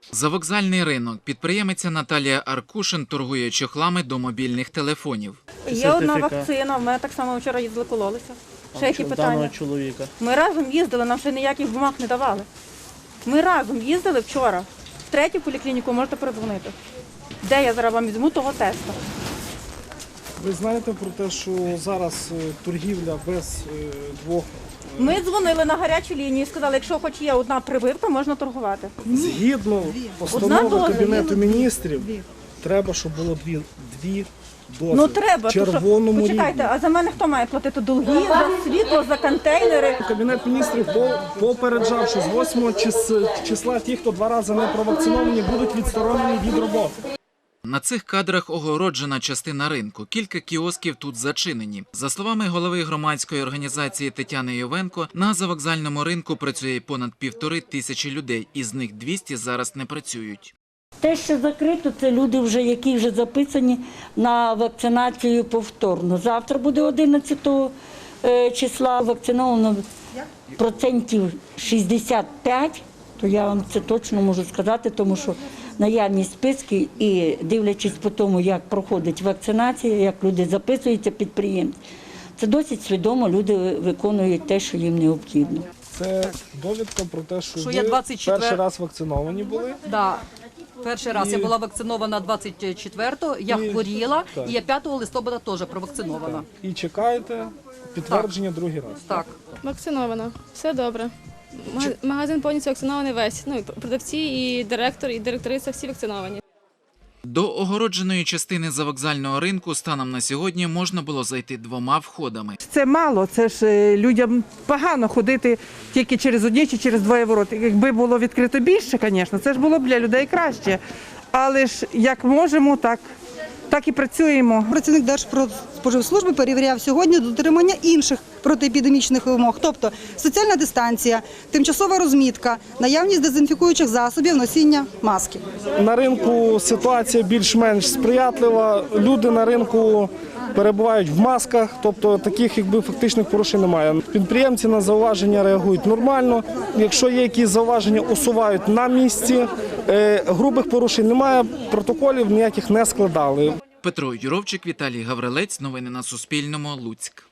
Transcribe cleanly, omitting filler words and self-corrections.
Завокзальний ринок. Підприємиця Наталія Аркушин торгує чохлами до мобільних телефонів. Є одна вакцина, ми так само вчора їздили, кололися. Ще які питання? Чоловіка. Ми разом їздили, нам ще ніяких бумаг не давали. Ми разом їздили вчора. В третю поліклініку можете передзвонити. Де я зараз вам візьму того теста? Ви знаєте про те, що зараз торгівля без двох... Ми дзвонили на гарячу лінію і сказали, якщо хоч є одна прививка, можна торгувати. Згідно постанови Кабінету міністрів, треба, щоб було дві дози. Ну треба, в червоному рівні. Почекайте, а за мене хто має платити долги, за світло, за контейнери? Кабінет міністрів попереджав, що з 8 числа ті, хто 2 рази не провакциновані, будуть відсторонені від роботи. На цих кадрах огороджена частина ринку. Кілька кіосків тут зачинені. За словами голови громадської організації Тетяни Йовенко, на завокзальному ринку працює понад 1500 людей, із них 200 зараз не працюють. Те, що закрито, це люди, які вже записані на вакцинацію повторно. Завтра буде 11 числа вакциновано процентів 65, то я вам це точно можу сказати, тому що наявність списків і дивлячись по тому, як проходить вакцинація, як люди записуються, підприємці, це досить свідомо люди виконують те, що їм необхідно. Це довідка про те, що ви я 24... перший раз вакциновані були? Да. Перший раз я була вакцинована 24-го, я хворіла, і я 5 листопада теж провакцинована. І чекаєте підтвердження другий раз? Так. Вакцинована. Все добре. Магазин повністю вакцинований весь. Ну, і продавці, і директор, і директориця всі вакциновані. До огородженої частини завокзального ринку станом на сьогодні можна було зайти 2 входами. Це мало, це ж людям погано ходити тільки через одні чи через 2 ворота. Якби було відкрито більше, звісно, це ж було б для людей краще. Але ж як можемо, так і працюємо. Працівник Держпродспоживслужби перевіряв сьогодні дотримання інших протиепідемічних вимог, тобто соціальна дистанція, тимчасова розмітка, наявність дезінфікуючих засобів, носіння маски. На ринку ситуація більш-менш сприятлива. Люди на ринку перебувають в масках, тобто таких фактичних порушень немає. Підприємці на зауваження реагують нормально. Якщо є якісь зауваження, усувають на місці. Грубих порушень немає, протоколів ніяких не складали. Петро Юровчик, Віталій Гаврилець. Новини на Суспільному. Луцьк.